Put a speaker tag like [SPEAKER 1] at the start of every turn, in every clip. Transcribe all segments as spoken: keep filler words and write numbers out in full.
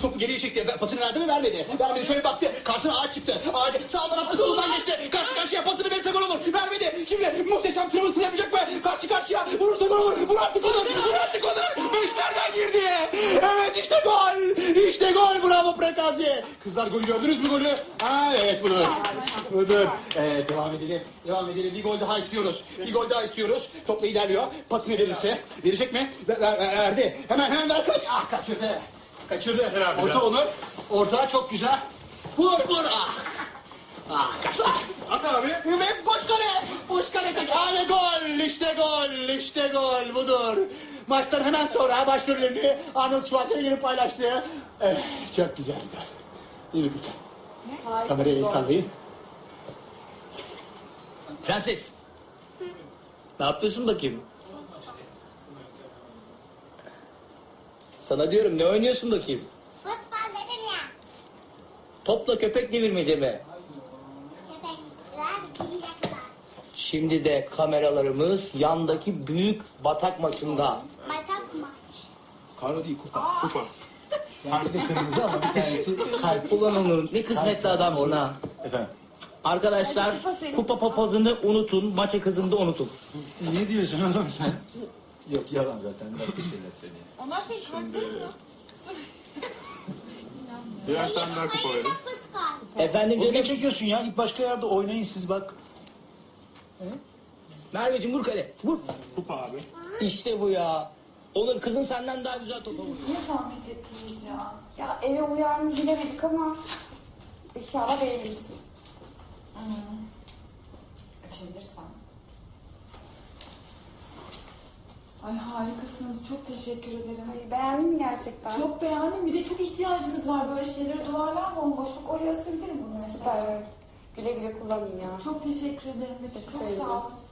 [SPEAKER 1] topu geriye çekti. Pasını verdi mi? Vermedi. Vermedi. Şöyle baktı. Karşısına ağaç çıktı. Ağaç sağdan attı, solundan geçti. Karşı karşıya pasını verirse gol olur. Vermedi. Şimdi muhteşem travmasını yapacak mı? Karşı karşıya vurursa gol olur. Vur artık onu. Vur artık onu. Beşlerden girdi. Evet işte gol. İşte gol. Bravo Prekazi. Kızlar golü gördünüz mü golü? Ha evet budur. Budur. Evet devam edelim. Devam edelim. Bir gol daha istiyoruz. Bir gol daha istiyoruz. Topla ilerliyor. Pasını verirse. Verecek mi? Ver, ver, verdi. Hemen hemen ver kaç. Ah kaçırdı. Kaçırdı.
[SPEAKER 2] Herhalde
[SPEAKER 1] Orta
[SPEAKER 2] ya.
[SPEAKER 1] Onur. Orta çok güzel. Vur vur. Ah. Ah kaçtı.
[SPEAKER 2] At abi.
[SPEAKER 1] Ve boş kale. Boş kale kaç. Ah ve gol. İşte gol. İşte gol. Budur. Maçtan hemen sonra başrollerini Arnold Schwarzenegger'in paylaştığı. Evet, çok güzel bir gol. Değil mi kızlar?
[SPEAKER 3] Harika.
[SPEAKER 1] Kamerayı el sallayın.
[SPEAKER 4] Prenses. Ne yapıyorsun bakayım? Sana diyorum ne oynuyorsun bakayım?
[SPEAKER 5] Futbol dedim ya.
[SPEAKER 4] Topla köpek devirmece mi?
[SPEAKER 5] Köpekler gidecekler.
[SPEAKER 4] Şimdi de kameralarımız yandaki büyük batak maçında.
[SPEAKER 5] Batak maç.
[SPEAKER 1] Karlı değil kupa.
[SPEAKER 2] Kupa.
[SPEAKER 1] Karşı da kırmızı ama bir tanesi
[SPEAKER 4] Kalp olan Onur. Ne kısmetli adamsın ha.
[SPEAKER 1] Efendim.
[SPEAKER 4] Arkadaşlar kupa papazını unutun, maça kızını da unutun.
[SPEAKER 1] Ne diyorsun oğlum sen? Yok yalan zaten. Başka şeyler söyleyeyim.
[SPEAKER 3] Onlar senin kartların mı?
[SPEAKER 2] Birer tane daha kupa verin.
[SPEAKER 5] Futbol.
[SPEAKER 4] Efendim
[SPEAKER 6] Oğlum ne
[SPEAKER 4] canım.
[SPEAKER 6] çekiyorsun ya? Git başka yerde oynayın siz bak.
[SPEAKER 4] Merveciğim vur kale. Vur.
[SPEAKER 2] Kupa abi.
[SPEAKER 4] İşte bu ya. Onur kızın senden daha güzel topa vurur.
[SPEAKER 3] Niye zahmet ettiniz ya? Ya eve uyar mı bilemedik ama inşallah beğenirsin. Hmm. Açabilirsen. Ay harikasınız. Çok teşekkür ederim.
[SPEAKER 7] Ay, beğendin mi gerçekten?
[SPEAKER 3] Çok beğendim. Bir de çok ihtiyacımız var böyle şeylere. Duvarlar bomboş. Bak oraya asabilirim bunu.
[SPEAKER 7] Süper. Evet. Güle güle kullanın ya.
[SPEAKER 3] Çok teşekkür ederim. Betül. Çok
[SPEAKER 7] sevindim.
[SPEAKER 3] sağ olun.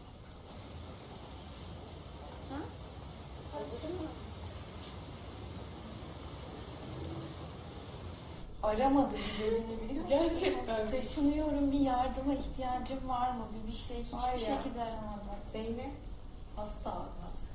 [SPEAKER 3] Aramadı bile beni biliyor musun?
[SPEAKER 7] Gerçekten.
[SPEAKER 3] Taşınıyorum, bir yardıma ihtiyacım var mı? Bir, bir şey, hiçbir
[SPEAKER 7] Var ya.
[SPEAKER 3] şekilde aramadı.
[SPEAKER 7] Zeynep hasta abi hasta.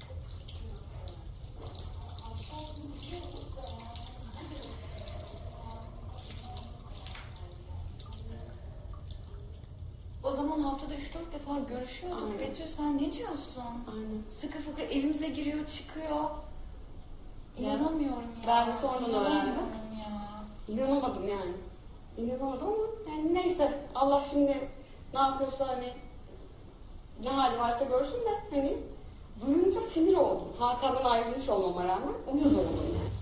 [SPEAKER 3] O zaman haftada üç dört defa görüşüyorduk.
[SPEAKER 7] Aynen.
[SPEAKER 3] Betül sen ne diyorsun?
[SPEAKER 7] Aynen.
[SPEAKER 3] Sıkı fıkı evimize giriyor, çıkıyor. İnanamıyorum ya.
[SPEAKER 7] Ben de sonradan
[SPEAKER 3] İnanamıyorum
[SPEAKER 7] öğrendim.
[SPEAKER 3] ya.
[SPEAKER 7] İnanamadım yani. İnanamadım ama yani neyse Allah şimdi ne yapıyorsa hani ne hali varsa görsün de hani duyunca sinir oldum. Hakan'dan ayrılmış olmama rağmen uyuz oldum yani.